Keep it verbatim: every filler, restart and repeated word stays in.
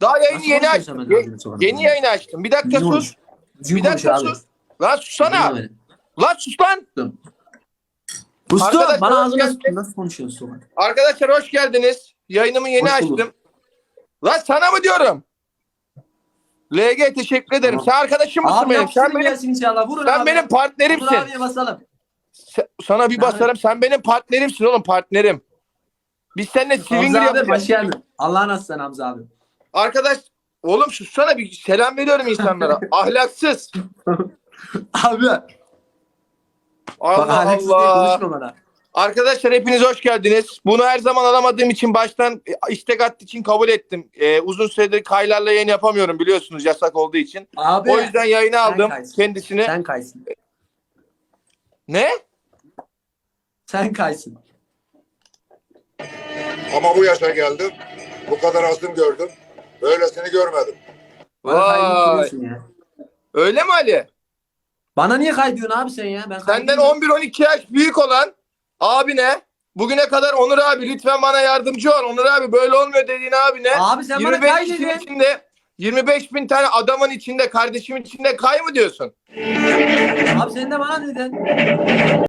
Daha yayını Nasıl yeni konuşuyorsun açtım. sen Ye- benimle sonra? yeni yayını açtım. Bir dakika Düzgün sus. konuş. Düzgün Bir konuş dakika abi. sus. Lan sussana. Dinle beni. Lan sus lan. Usta Arkadaşlar, bana hoş ağzına geldiniz. sıktın. Nasıl konuşuyorsun sonra? Arkadaşlar hoş geldiniz. Yayınımı yeni Hoş bulduk. açtım. Lan sana mı diyorum? L G teşekkür ederim. Tamam. Sen arkadaşım mısın Abi benim? yapıştırın Sen benim, gelsin inşallah. Vurun sen abi. benim Vur partnerimsin. abiye basalım. Sen- sana bir Sen- basarım. Sen benim partnerimsin oğlum, partnerim. Biz seninle Hamza swinger abi yapacağız. hoş geldin. Allah'ın aslan Hamza abi. Arkadaş oğlum sussana, bir selam veriyorum insanlara. Ahlaksız. Abi. Bak Allah ahlaksız diye Allah. konuşma bana. Arkadaşlar hepiniz hoş geldiniz. Bunu her zaman alamadığım için baştan e, istek attığı için kabul ettim. Ee, uzun süredir Kaylar'la yayın yapamıyorum biliyorsunuz, yasak olduğu için. Abi. O yüzden yayını aldım kaysın. kendisini. Sen kaysın. Ne? Sen kaysın. Ama bu yaşa geldim. Bu kadar azım gördüm. Böylesini görmedim. Bana Vay. kaydırıyorsun ya. Öyle mi Ali? Bana niye kaydıyorsun abi sen ya? Ben Senden kaydırmıyorum. on bir on iki yaş büyük olan abine bugüne kadar Onur abi lütfen bana yardımcı ol. Onur abi böyle olmuyor dediğin abine Abi sen bana yirmi beş kay kişinin dedin. içinde yirmi beş bin tane adamın içinde, kardeşimin içinde kay mı diyorsun? Abi sen de bana dedin.